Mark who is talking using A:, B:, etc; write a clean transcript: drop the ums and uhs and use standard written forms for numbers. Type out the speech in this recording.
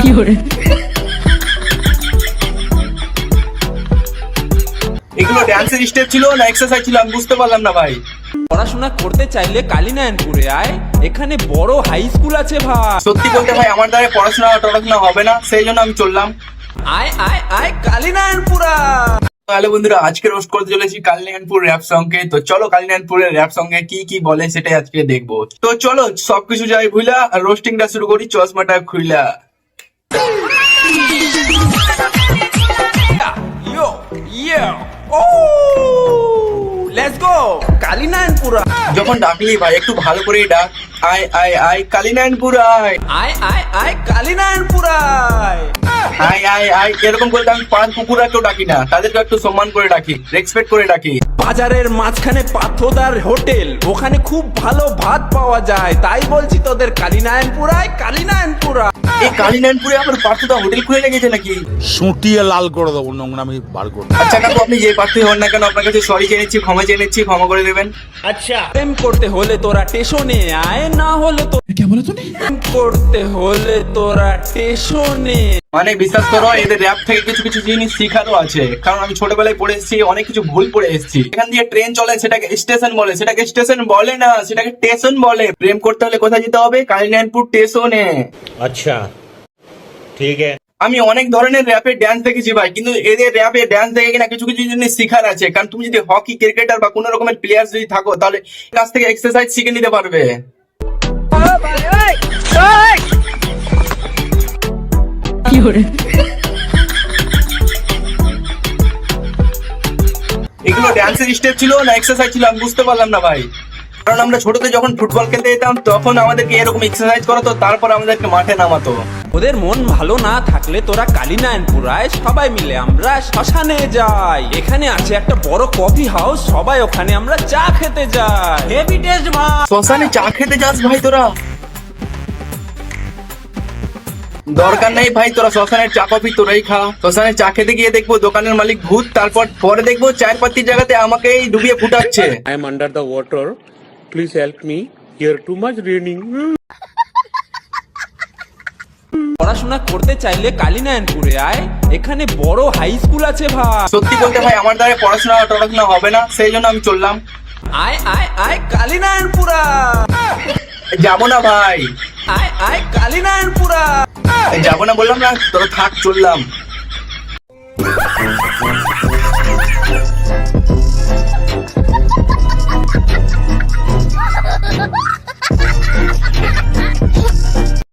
A: এগুলো ড্যান্সের স্টেপ ছিল না এক্সারসাইজ ছিল আমি বুঝতে পারলাম না ভাই।
B: পড়াশোনা করতে চাইলে কালীনারায়ণপুরে আয়, এখানে বড় হাই স্কুল আছে ভাই।
A: সত্যি বলতে ভাই আমার দ্বারা পড়াশোনা হবে না, সেই জন্য আমি চললাম।
B: আয় আয় আয় কালীনারায়ণপুরা।
A: তাহলে বন্ধুরা আজকে রোস্ট করতে চলেছি কালীনারায়ণপুর র্যাপ সঙ্গে। তো চলো কালীনারায়ণপুরের র্যাপ সঙ্গে কি কি বলে সেটাই আজকে দেখবো। তো চলো সবকিছু যাই ভুলা রোস্টিংটা শুরু করি চশমাটা খুইলা।
B: Yo yo oh let's go Kalinarayanpura.
A: যখন ডাকলি ভাই একটু ভালো করেই ডাক। আয় আয় আয় কালীনারায়ণপুর আয়।
B: আয় আয় আয় কালীনারায়ণপুরা।
A: আয় আয় আয় এরকম করে আমি পাঁচ কুকুরাকেও ডাকি না, তাদেরকে একটু সম্মান করে ডাকি, রেসপেক্ট করে ডাকি।
B: বাজারের মাঝখানে পাথোদার হোটেল, ওখানে খুব ভালো ভাত পাওয়া যায়, তাই বলছি তোদের কালীনারায়ণপুরায় কালীনারায়ণপুরা।
A: এই কালীনারায়ণপুরে আমার পার্থদা হোটেল খুলে লেগেছে নাকি?
C: সুটিয়ে লাল করে দেবো, নোংরামি বার করে।
A: আচ্ছা কাকু আপনি যে প্রার্থী হন না কেন আপনার কাছে সরি চেয়ে নিচ্ছি, ক্ষমা চেয়ে নিচ্ছি, ক্ষমা করে দেবেন।
B: প্রেম করতে হলে তোরা স্টেশনে আয়, না হলে তো প্রেম করতে হলে তোরা স্টেশনে।
A: মানে বিশ্বাস করো এদের র্যাপ থেকে কিছু কিছু জিনিস শিখারও আছে, কারণ আমি ছোটবেলায় পড়ে এসেছি, অনেক কিছু ভুল পড়ে এসেছি। এখান দিয়ে ট্রেন চলে সেটাকে স্টেশন বলে, সেটাকে স্টেশন বলে না, সেটাকে স্টেশন বলে। প্রেম করতে হলে কোথায় যেতে হবে? কালীনারায়ণপুর স্টেশনে।
D: আচ্ছা ঠিক আছে।
A: আমি অনেক ধরনের র্যাপের ড্যান্স দেখেছি ভাই, কিন্তু এদের র্যাপে ড্যান্স দেখে কিনা কিছু কিছু জিনিস শিখার আছে। কারণ তুমি যদি হকি ক্রিকেটার বা কোনো রকমের প্লেয়ার যদি থাকো তাহলে কাছ থেকে এক্সারসাইজ শিখে নিতে পারবে। এগুলো ড্যান্সের স্টেপ ছিল না এক্সারসাইজ ছিল আমি বুঝতে পারলাম না ভাই। কারণ আমরা ছোটতে যখন ফুটবল খেলতে যেতাম তখন আমাদেরকে এরকম এক্সারসাইজ করাতো, তারপর আমাদেরকে মাঠে নামাতো।
B: ওদের মন ভালো না থাকলে তোরা কালীনারায়ণপুরায় সবাই মিলে আমরা শ্মশানে যাই। এখানে আছে একটা বড় কফি হাউস, সবাই ওখানে আমরা চা খেতে যাই। হেভি টেস্ট ভাই।
A: শ্মশানে চা খেতে যাস ভাই তোরা? দরকার নেই ভাই, তোরা শ্মশানের চা কফি তোরাই খা। শ্মশানে চা খেতে গিয়ে দেখবো দোকানের মালিক ভূত, তারপর পরে দেখবো চায়ের পাত্তির জায়গাতে আমাকেই ডুবিয়ে ফুটাচ্ছে।
E: I am under the water. Please help me. Here too much raining.
B: পড়াশোনা করতে চাইলে কালীনারায়ণপুরে আয়, এখানে বড় হাই স্কুল আছে ভাই।
A: সত্যি বলতে ভাই আমার দ্বারা পড়াশোনা হবে না, সেই জন্য আমি চললাম।
B: আয় আয় আয় কালীনারায়ণপুরা।
A: যাবো না ভাই,
B: আয় আয় কালীনারায়ণপুরা।
A: যাবো না বললাম না, তোরা থাক, চললাম।